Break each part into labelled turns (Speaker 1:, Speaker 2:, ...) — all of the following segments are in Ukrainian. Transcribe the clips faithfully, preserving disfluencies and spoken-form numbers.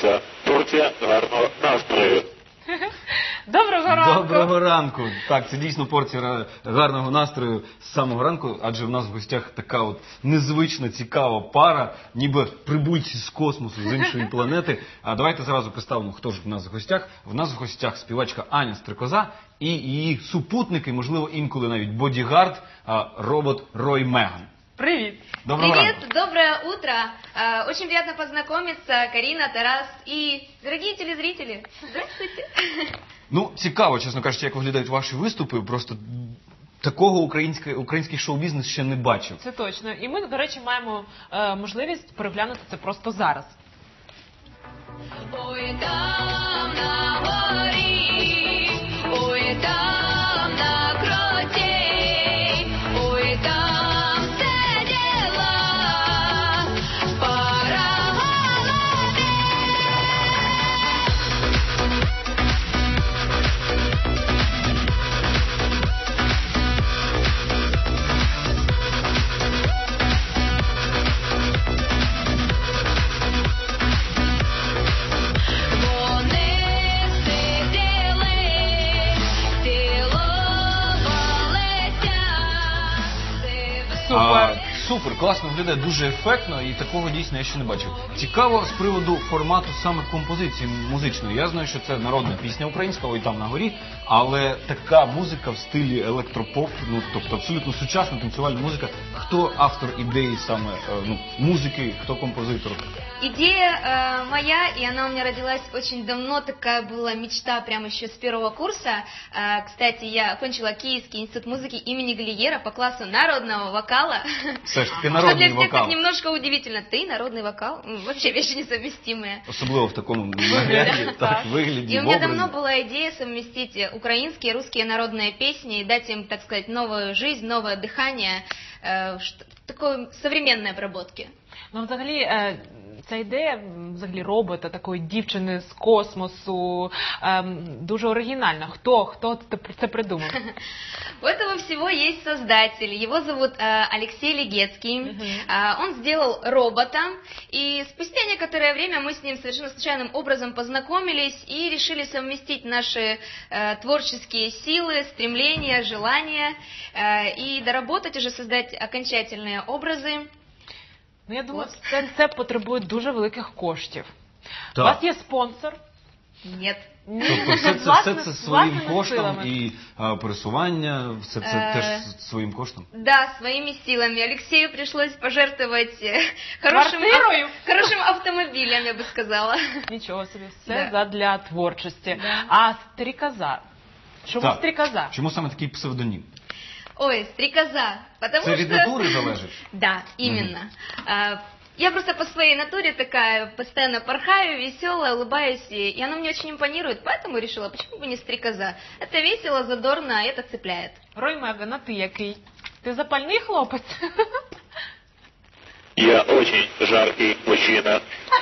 Speaker 1: наша порція гарного настрою.
Speaker 2: Доброго ранку!
Speaker 3: Доброго ранку! Так, це дійсно порція гарного настрою з самого ранку, адже в нас в гостях така от незвична, цікава пара, ніби прибульці з космосу, з іншої планети. А давайте зразу представимо, хто ж в нас в гостях. В нас в гостях співачка Аня Стрикоза і її супутники, можливо, інколи навіть бодігард, робот Рой Меган.
Speaker 2: Привет!
Speaker 3: Доброго
Speaker 4: Привет,
Speaker 3: ранку.
Speaker 4: доброе утро. Э, Очень приятно познакомиться. Карина, Тарас и дорогие телезрители. Здравствуйте.
Speaker 3: Ну, цікаво, чесно кажучи, як виглядають ваші виступи. Просто такого український, український шоу-бізнес ще не бачив.
Speaker 2: Це точно. І ми, до речі, маємо е, можливість переглянути це просто зараз.
Speaker 4: Ой, там на горі, ой, там на кроті, ой, там сиділа пара голубів. Вони сиділи, цілувалися.
Speaker 3: А, супер, класно виглядає, дуже ефектно, і такого дійсно я ще не бачив. Цікаво з приводу формату саме композиції музичної. Я знаю, що це народна пісня українська, ой там на горі, але така музика в стилі електропоп, ну тобто абсолютно сучасна танцювальна музика. Хто автор ідеї саме е, ну, музики, хто композитор?
Speaker 4: Идея э, моя, и она у меня родилась очень давно, такая была мечта прямо еще с первого курса. Э, кстати, я окончила Киевский институт музыки имени Глиера по классу народного вокала.
Speaker 3: Все ж таки
Speaker 4: Что для
Speaker 3: народний
Speaker 4: всех так
Speaker 3: вокал.
Speaker 4: немножко удивительно. Ты народный вокал? М, Вообще вещи несовместимые.
Speaker 3: Особливо в такому нагляді, так, вигляді,
Speaker 4: И у меня
Speaker 3: в
Speaker 4: давно
Speaker 3: образі.
Speaker 4: была идея совместить украинские и русские народные песни и дать им, так сказать, новую жизнь, новое дыхание, э, ш- такой современной обработки.
Speaker 2: Ну, взагалі, е, ця ідея, м, взагалі, робота, такої дівчини з космосу, ем, дуже оригінальна. Хто, хто це це придумав?
Speaker 4: У этого всего есть создатель. Его зовут э, Алексей Легецкий.
Speaker 2: Мгм.
Speaker 4: Э, он сделал робота. И спустя некоторое время мы с ним совершенно случайным образом познакомились и решили совместить наши э, творческие силы, стремления, желания э, и доработать уже, создать окончательные образы.
Speaker 2: Ну, я думаю, це, це потребує дуже великих коштів. У
Speaker 3: Так.
Speaker 2: вас є спонсор?
Speaker 4: Нет.
Speaker 2: Ні.
Speaker 3: Тобто все це, все
Speaker 2: Власне-
Speaker 3: це своїм
Speaker 2: власними
Speaker 3: коштом
Speaker 2: силами.
Speaker 3: і а, пересування, все це
Speaker 4: Е.
Speaker 3: теж своїм коштом?
Speaker 4: Да, своими силами. Алексею пришлось пожертвовать э, хорошим,
Speaker 2: Квартирою?
Speaker 4: ав- хорошим автомобилем, я бы сказала.
Speaker 2: Нічого собі, все
Speaker 4: Да.
Speaker 2: задля творчості.
Speaker 4: Да.
Speaker 2: А стрікоза? Чому
Speaker 3: Так.
Speaker 2: стрікоза?
Speaker 3: Чому саме такий псевдонім?
Speaker 4: Ой, стрекоза. Потому
Speaker 3: Це
Speaker 4: что...
Speaker 3: від натури залежить?
Speaker 4: Да, именно. А, Я просто по своей натуре такая, постоянно порхаю, веселая, улыбаюсь, и и она мне очень импонирует, поэтому решила, почему бы не стрекоза. Это весело, задорно, и это цепляет.
Speaker 2: Рой Меган, а ти який? Ти запальний хлопець?
Speaker 1: Я очень жаркий мужчина.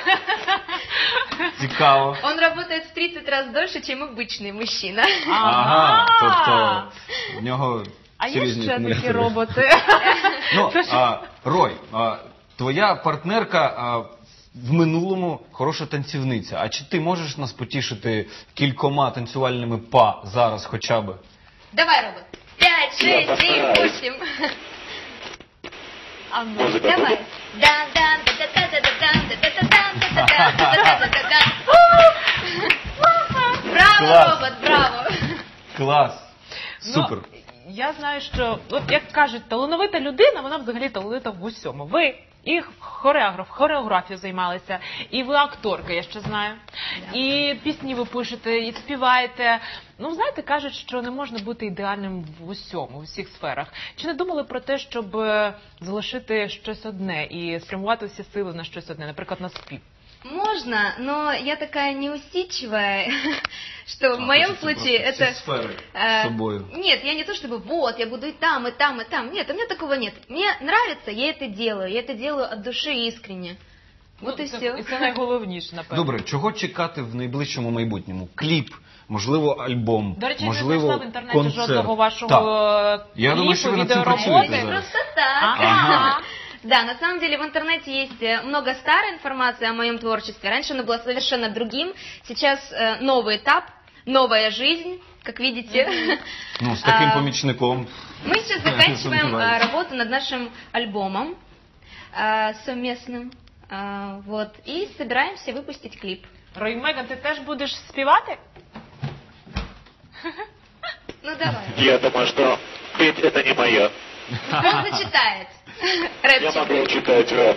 Speaker 3: Цікаво.
Speaker 4: Он работает в тридцать раз дольше, чем обычный мужчина.
Speaker 3: Ага, тобто в нього
Speaker 2: А є
Speaker 3: серйозні
Speaker 2: ще такі
Speaker 3: акумулятори.
Speaker 2: роботи?
Speaker 3: Ну, а, Рой, а, твоя партнерка а, в минулому хороша танцівниця. А чи ти можеш нас потішити кількома танцювальними па зараз хоча б?
Speaker 4: Давай, робот. Пять, шесть, семь, восемь.
Speaker 2: А ну.
Speaker 1: Музика.
Speaker 4: Давай. Да, да, да, да, да, да, да, да, да, да, да, да, да, да, да, да, да. Браво,
Speaker 3: Класс.
Speaker 4: робот, браво.
Speaker 3: Клас. Супер.
Speaker 2: Ну, я знаю, що, от як кажуть, талановита людина, вона взагалі талановита в усьому. Ви і хореограф, хореографію займалися, і ви акторка, я ще знаю. І пісні ви пишете, і співаєте. Ну, знаєте, кажуть, що не можна бути ідеальним в усьому, в усіх сферах. Чи не думали про те, щоб е, залишити щось одне і спрямувати всі сили на щось одне, наприклад, на спів?
Speaker 4: Можно, но я такая неусидчивая, что в моем случае это...
Speaker 3: сфери
Speaker 4: э,
Speaker 3: з собою.
Speaker 4: Нет, я не то чтобы вот, я буду и там, и там, и там. Нет, у меня такого нет. Мне нравится, я это делаю. Я это делаю от души искренне. Вот
Speaker 2: Ну,
Speaker 4: и
Speaker 2: це-
Speaker 4: все.
Speaker 2: І це найголовніше, напевно.
Speaker 3: Добре, чого чекати в найближчому майбутньому? Кліп, можливо, альбом,
Speaker 2: До речі, я не
Speaker 3: можливо,
Speaker 2: знайшла в інтернеті
Speaker 3: концерт.
Speaker 2: жодного
Speaker 3: Так.
Speaker 2: вашого
Speaker 3: Я
Speaker 2: кліпу,
Speaker 3: думаю, що ви над цим
Speaker 2: відеороботи.
Speaker 3: працюєте
Speaker 4: Это
Speaker 3: зараз.
Speaker 4: просто так.
Speaker 2: Ага.
Speaker 4: Да, на самом деле в интернете есть э, много старой информации о моем творчестве. Раньше оно было совершенно другим. Сейчас э, новый этап, новая жизнь, как видите.
Speaker 3: Ну, з таким
Speaker 4: А,
Speaker 3: помічником.
Speaker 4: Мы сейчас заканчиваем
Speaker 3: Сомневаюсь.
Speaker 4: э, работу над нашим альбомом э, совместным. Э, Вот, и собираемся выпустить клип.
Speaker 2: Рой Меган, ти теж будеш співати?
Speaker 4: Ну давай.
Speaker 1: Я думаю, что петь это не мое.
Speaker 4: Он зачитает.
Speaker 1: Я
Speaker 4: Рэпчик.
Speaker 1: могу читать рэп.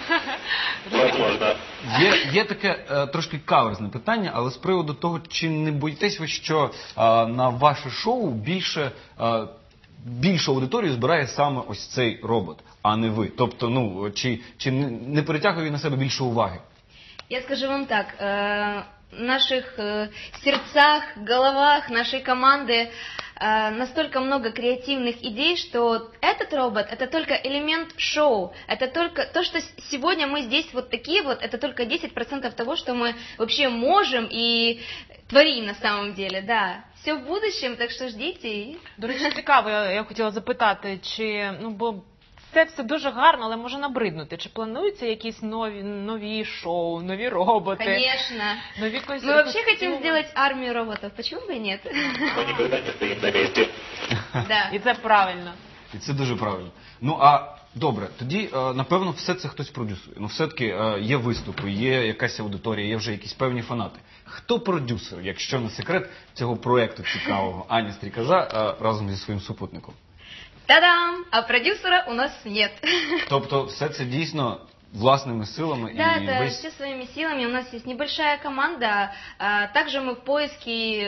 Speaker 1: Возможно.
Speaker 3: Є, є таке е, трошки каверзне питання, але з приводу того, чи не боїтесь ви, що е, на ваше шоу більше, е, більшу аудиторію збирає саме ось цей робот, а не ви? Тобто, ну, чи, чи не, не перетягує він на себе більше уваги?
Speaker 4: Я скажу вам так, э, в наших э, сердцах, головах нашей команды э, настолько много креативных идей, что этот робот — это только элемент шоу, это только то, что с- сегодня мы здесь вот такие вот, это только десять процентов того, что мы вообще можем и творим на самом деле, да. Все в будущем, так что ждите. и-
Speaker 2: До речі, цікаво, я, я хотіла запитати, чи, ну, бо це все дуже гарно, але може набриднути. Чи плануються якісь нові, нові шоу, нові роботи?
Speaker 4: Конечно.
Speaker 2: Нові костюми?
Speaker 4: Мы вообще хотим сделать армию роботов, почему бы и нет?
Speaker 1: Мы никогда не стоим на месте.
Speaker 4: Да.
Speaker 2: І це правильно.
Speaker 3: І це дуже правильно. Ну, а добре, тоді, е, напевно, все це хтось продюсує. Ну, все-таки е, є виступи, є якась аудиторія, є вже якісь певні фанати. Хто продюсер, якщо не секрет, цього проєкту цікавого Ані Стрікоза е, разом зі своїм супутником?
Speaker 4: Та-дам! А продюсера у нас нет.
Speaker 3: Тобто, все це дійсно власними силами
Speaker 4: Да,
Speaker 3: і
Speaker 4: это
Speaker 3: весь...
Speaker 4: все своими силами. У нас есть небольшая команда. а, Также мы в поиске...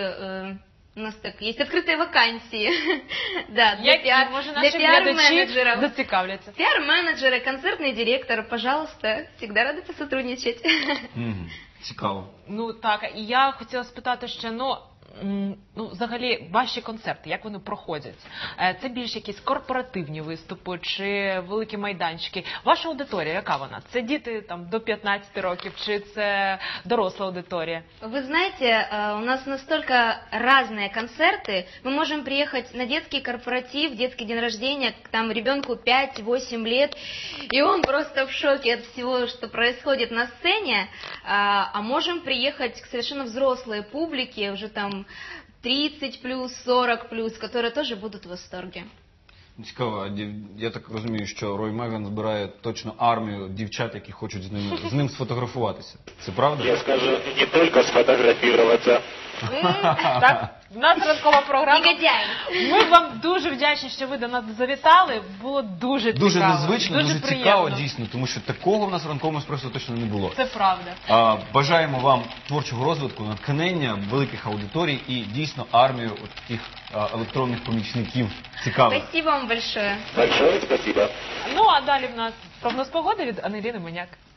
Speaker 4: э, У нас так есть открытые вакансии. Да, для
Speaker 2: Які,
Speaker 4: пиар-
Speaker 2: може,
Speaker 4: для
Speaker 2: наші глядачі
Speaker 4: пиар-менеджеров.
Speaker 2: зацікавляться.
Speaker 4: Пиар-менеджеры, концертный директор, пожалуйста, всегда рады посотрудничать.
Speaker 3: Мгм. Цікаво.
Speaker 2: Ну так, і я хотіла спитати ще, ну, м, ну, взагалі, ваші концерти, як вони проходять? Е, Це більш якісь корпоративні виступи чи великі майданчики? Ваша аудиторія, яка вона? Це діти там до п'ятнадцяти років, чи це доросла аудиторія?
Speaker 4: Вы знаете, э, у нас настолько разные концерты. Мы можем приехать на детский корпоратив, детский день рождения, к там ребенку пять-восемь лет, и он просто в шоке от всего, что происходит на сцене. А а можем приехать к совершенно взрослой публике, уже там тридцать плюс, сорок плюс, которые тоже будут в восторге.
Speaker 3: Цікаво, а дів- я так розумію, що Рой Меган збирає точно армію дівчат, які хочуть з ним, з ним сфотографуватися. Це правда?
Speaker 1: Я скажу, не только сфотографироваться.
Speaker 2: Так, в нас ранкова програма.
Speaker 4: Негодяй!
Speaker 2: Ми вам дуже вдячні, що ви до нас завітали. Було дуже цікаво.
Speaker 3: Дуже незвично, дуже,
Speaker 2: приємно.
Speaker 3: цікаво, дійсно, тому що такого в нас в ранковому еспресо точно не було.
Speaker 2: Це правда.
Speaker 3: А, бажаємо вам творчого розвитку, натхнення, великих аудиторій і дійсно армію от таких а, електронних помічників цікавих.
Speaker 4: Спасибо вам большое.
Speaker 1: Большое спасибо.
Speaker 2: Ну, а далі в нас прогноз погоди від Анеліни Моняк.